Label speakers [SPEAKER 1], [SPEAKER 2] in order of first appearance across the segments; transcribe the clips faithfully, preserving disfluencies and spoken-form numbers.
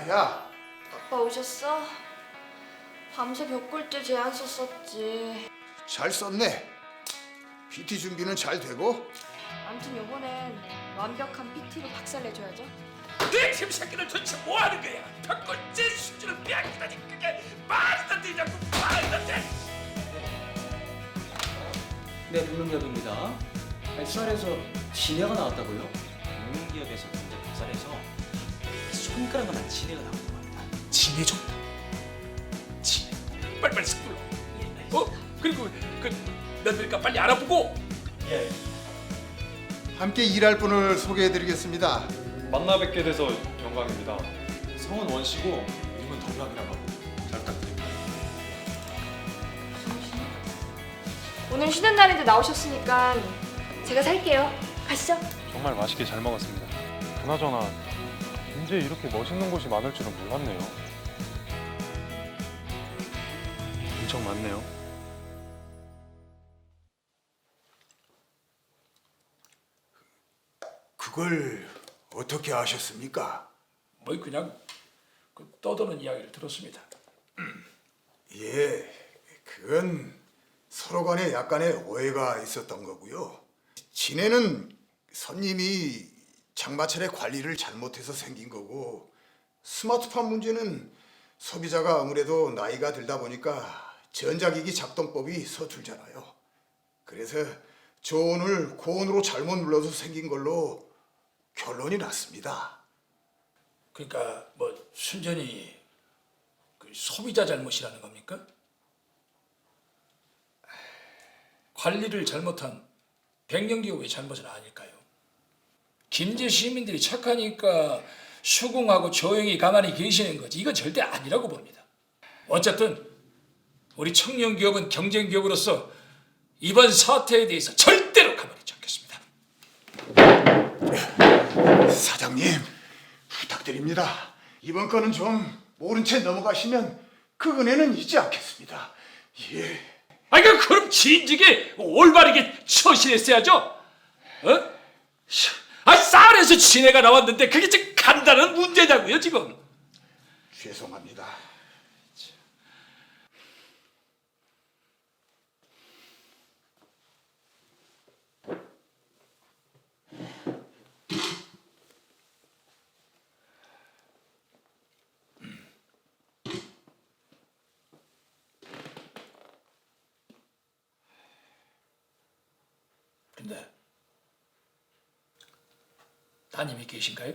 [SPEAKER 1] 야,
[SPEAKER 2] 아빠 오셨어? 밤새 벽골들 제안 썼었지.
[SPEAKER 1] 잘 썼네. 피티 준비는 잘 되고?
[SPEAKER 2] 아무튼 요번엔 완벽한 피티로 박살내줘야죠.
[SPEAKER 3] 내 김새끼는 도대체 뭐하는 거야? 벽골제 수준을 빼앗기다니 그게 말도 안 되냐고 말도 안 돼.
[SPEAKER 4] 네, 금융기업입니다. 수사에서 진해가 나왔다고요?
[SPEAKER 5] 금융기업에서 경제 박살에서 손가락만한 진해가 나온 겁니다.
[SPEAKER 3] 진해 좀 진해 빨리빨리 쓱 불러. 어? 그리고 그 너희들까 빨리 알아보고.
[SPEAKER 5] 예.
[SPEAKER 1] 함께 일할 분을 소개해드리겠습니다.
[SPEAKER 6] 만나 뵙게 돼서 영광입니다. 성은 원씨고 이름은 덕락이라고 하고 잘 부탁드립니다.
[SPEAKER 2] 오늘 쉬는 날인데 나오셨으니까 제가 살게요. 가시죠.
[SPEAKER 6] 정말 맛있게 잘 먹었습니다. 그나저나 인제 이렇게 멋있는 곳이 많을 줄은 몰랐네요. 엄청 많네요.
[SPEAKER 1] 그걸 어떻게 아셨습니까?
[SPEAKER 3] 뭐 그냥 그 떠도는 이야기를 들었습니다.
[SPEAKER 1] 예, 그건 서로 간에 약간의 오해가 있었던 거고요. 진해는 손님이 장마철에 관리를 잘못해서 생긴 거고, 스마트폰 문제는 소비자가 아무래도 나이가 들다 보니까 전자기기 작동법이 서툴잖아요. 그래서 조언을 고온으로 잘못 눌러서 생긴 걸로 결론이 났습니다.
[SPEAKER 3] 그러니까 뭐 순전히 그 소비자 잘못이라는 겁니까? 관리를 잘못한 백년기업의 잘못은 아닐까요? 김제 시민들이 착하니까 수긍하고 조용히 가만히 계시는 거지 이건 절대 아니라고 봅니다. 어쨌든 우리 청년기업은 경쟁기업으로서 이번 사태에 대해서 절대로 가만히 있지 않겠습니다.
[SPEAKER 1] 사장님, 부탁드립니다. 이번 건은 좀 모른 채 넘어가시면 그 은혜는 잊지 않겠습니다. 예.
[SPEAKER 3] 아니 그럼 진즉에 올바르게 처신했어야죠. 어? 아 쌀에서 진해가 나왔는데 그게 지금 간단한 문제냐고요 지금.
[SPEAKER 1] 죄송합니다.
[SPEAKER 3] 근데 따님이 계신가요?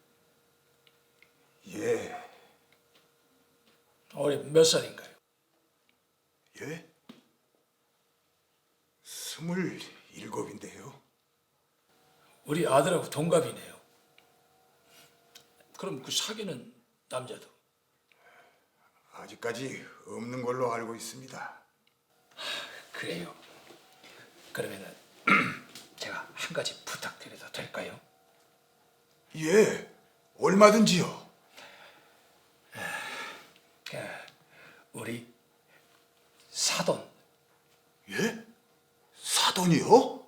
[SPEAKER 1] 예,
[SPEAKER 3] 올해 몇 살인가요?
[SPEAKER 1] 예? 스물일곱인데요.
[SPEAKER 3] 우리 아들하고 동갑이네요. 그럼 그 사귀는 남자도?
[SPEAKER 1] 아직까지 없는 걸로 알고 있습니다.
[SPEAKER 3] 그래요. 그러면은 제가 한 가지 부탁드려도 될까요?
[SPEAKER 1] 예, 얼마든지요.
[SPEAKER 3] 그 우리 사돈.
[SPEAKER 1] 예? 사돈이요?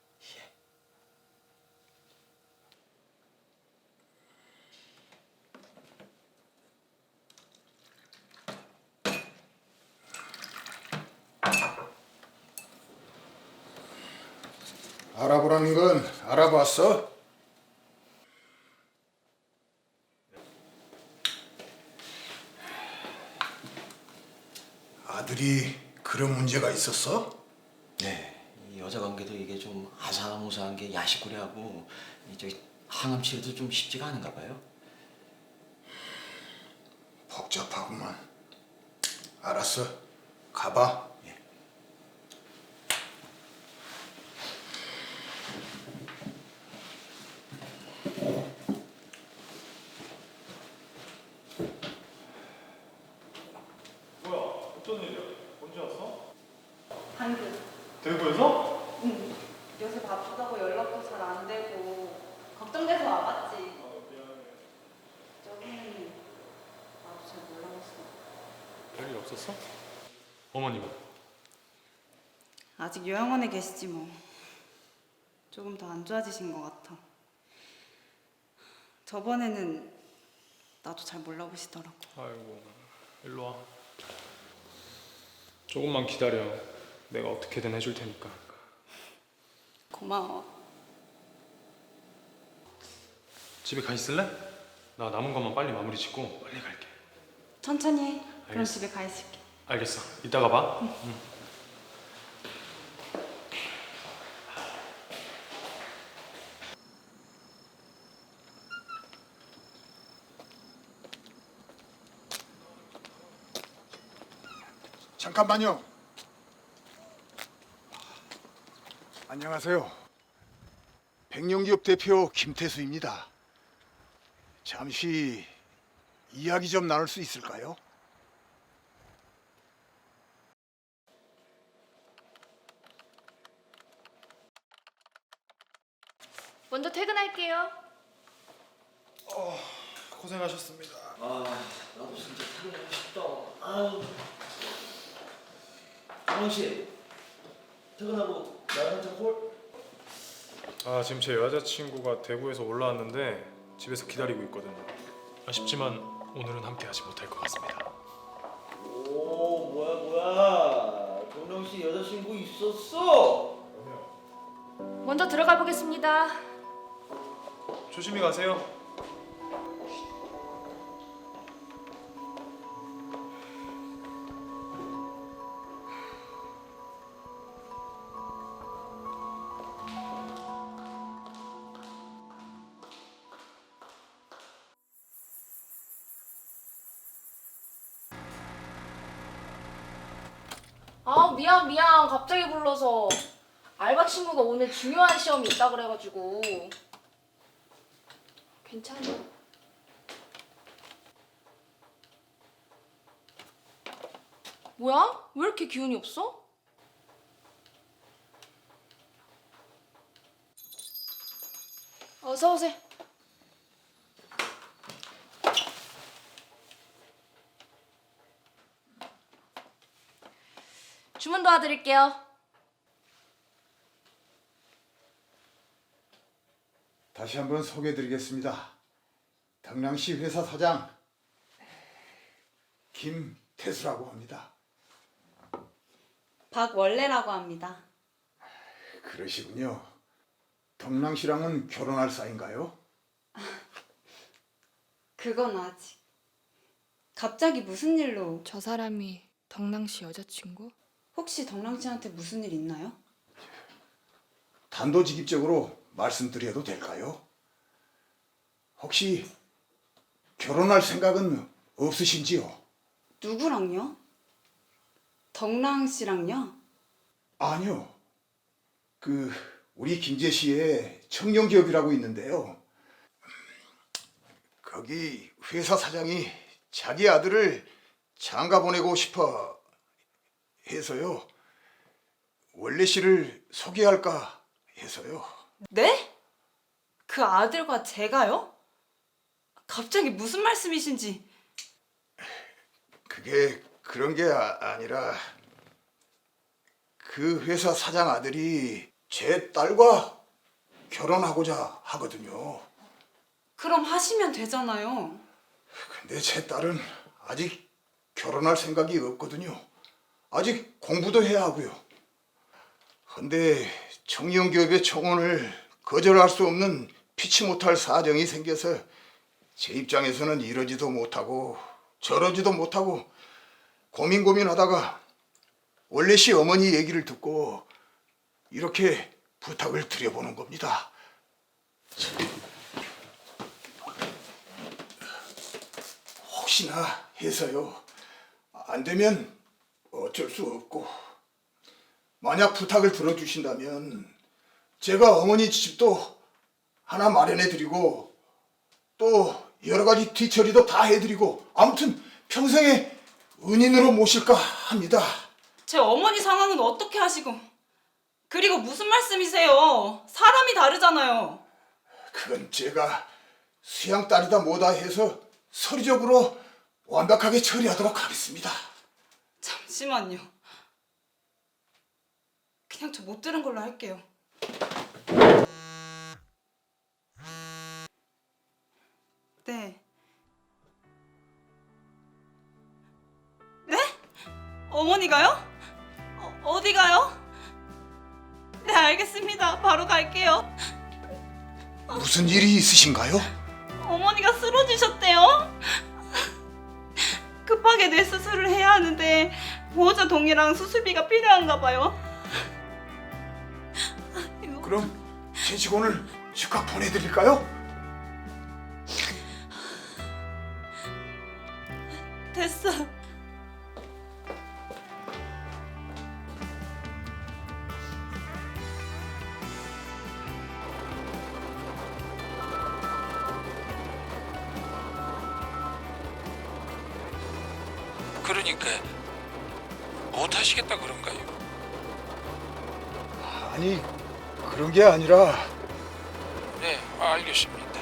[SPEAKER 1] 알아보라는 건 알아봤어? 아들이 그런 문제가 있었어?
[SPEAKER 5] 네. 이 여자 관계도 이게 좀 아사무사한 게 야식구리하고 이제 항암 치료도 좀 쉽지가 않은가 봐요.
[SPEAKER 1] 복잡하구만. 알았어, 가봐.
[SPEAKER 5] 예.
[SPEAKER 6] 뭐야? 어쩐 일이야? 언제 왔어?
[SPEAKER 2] 방금.
[SPEAKER 6] 대구에서?
[SPEAKER 2] 응. 요새 바쁘다고 연락도 잘 안 되고 걱정돼서 와봤지. 저기는 나도 잘 몰라봤어.
[SPEAKER 6] 별일 없었어? 어머님은?
[SPEAKER 7] 아직 요양원에 계시지 뭐. 조금 더 안 좋아지신 것 같아. 저번에는
[SPEAKER 2] 나도 잘 몰라보시더라고.
[SPEAKER 6] 아이고, 일로 와. 조금만 기다려. 내가 어떻게든 해줄 테니까.
[SPEAKER 2] 고마워.
[SPEAKER 6] 집에 가 있을래? 나 남은 것만 빨리 마무리 짓고 빨리 갈게.
[SPEAKER 2] 천천히 해. 그럼
[SPEAKER 6] 알겠어.
[SPEAKER 2] 집에 가 있을게.
[SPEAKER 6] 알겠어. 이따가 봐. 응.
[SPEAKER 1] 잠깐만요. 안녕하세요. 백령기업 대표 김태수입니다. 잠시 이야기 좀 나눌 수 있을까요?
[SPEAKER 7] 먼저 퇴근할게요.
[SPEAKER 6] 고생하셨습니다.
[SPEAKER 5] 아, 나도 진짜 퇴근하고 싶다. 아유. 정원 씨, 퇴근하고 나랑 한잔 콜?
[SPEAKER 6] 아, 지금 제 여자친구가 대구에서 올라왔는데 집에서 기다리고 있거든요. 아쉽지만 오늘은 함께 하지 못할 것 같습니다.
[SPEAKER 5] 오, 뭐야 뭐야. 동영 씨 여자친구 있었어?
[SPEAKER 7] 먼저 들어가 보겠습니다.
[SPEAKER 6] 조심히 가세요.
[SPEAKER 7] 아 미안 미안 갑자기 불러서 알바 친구가 오늘 중요한 시험이 있다 그래가지고. 괜찮아. 뭐야? 왜 이렇게 기운이 없어? 어서 오세요. 주문 도와드릴게요.
[SPEAKER 1] 다시 한번 소개해드리겠습니다. 당랑시 회사 사장 김태수라고 합니다.
[SPEAKER 2] 박원래라고 합니다.
[SPEAKER 1] 그러시군요. 덕랑씨랑은 결혼할 사이인가요?
[SPEAKER 2] 그건 아직. 갑자기 무슨 일로?
[SPEAKER 7] 저 사람이 덕랑 씨 여자친구?
[SPEAKER 2] 혹시 덕랑 씨한테 무슨 일 있나요?
[SPEAKER 1] 단도직입적으로 말씀드려도 될까요? 혹시 결혼할 생각은 없으신지요?
[SPEAKER 2] 누구랑요? 덕랑 씨랑요?
[SPEAKER 1] 아니요. 그 우리 김제시에 청년기업이라고 있는데요. 거기 회사 사장이 자기 아들을 장가 보내고 싶어 해서요. 원래 씨를 소개할까 해서요.
[SPEAKER 2] 네? 그 아들과 제가요? 갑자기 무슨 말씀이신지.
[SPEAKER 1] 그게 그런 게 아, 아니라 그 회사 사장 아들이 제 딸과 결혼하고자 하거든요.
[SPEAKER 2] 그럼 하시면 되잖아요.
[SPEAKER 1] 근데 제 딸은 아직 결혼할 생각이 없거든요. 아직 공부도 해야 하고요. 근데 청년기업의 청혼을 거절할 수 없는 피치 못할 사정이 생겨서 제 입장에서는 이러지도 못하고 저러지도 못하고 고민 고민하다가 원래 씨 어머니 얘기를 듣고 이렇게 부탁을 드려보는 겁니다. 혹시나 해서요. 안 되면 어쩔 수 없고 만약 부탁을 들어주신다면 제가 어머니 집도 하나 마련해드리고 또 여러 가지 뒤처리도 다 해드리고 아무튼 평생의 은인으로 모실까 합니다.
[SPEAKER 2] 제 어머니 상황은 어떻게 하시고 그리고 무슨 말씀이세요? 사람이 다르잖아요.
[SPEAKER 1] 그건 제가 수양 딸이다 뭐다 해서 서류적으로 완벽하게 처리하도록 하겠습니다.
[SPEAKER 2] 잠시만요. 그냥 저 못 들은 걸로 할게요. 네. 어머니가요? 어, 어디 가요? 네, 알겠습니다. 바로 갈게요.
[SPEAKER 1] 무슨 일이 있으신가요?
[SPEAKER 2] 어머니가 쓰러지셨대요. 급하게 뇌 수술을 해야 하는데 보호자 동의랑 수술비가 필요한가 봐요. 이거
[SPEAKER 1] 그럼 제 직원을 즉각 보내드릴까요?
[SPEAKER 2] 됐어.
[SPEAKER 8] 그러니까 못 하시겠다 그런가요?
[SPEAKER 1] 아니, 그런 게 아니라
[SPEAKER 8] 네, 알겠습니다.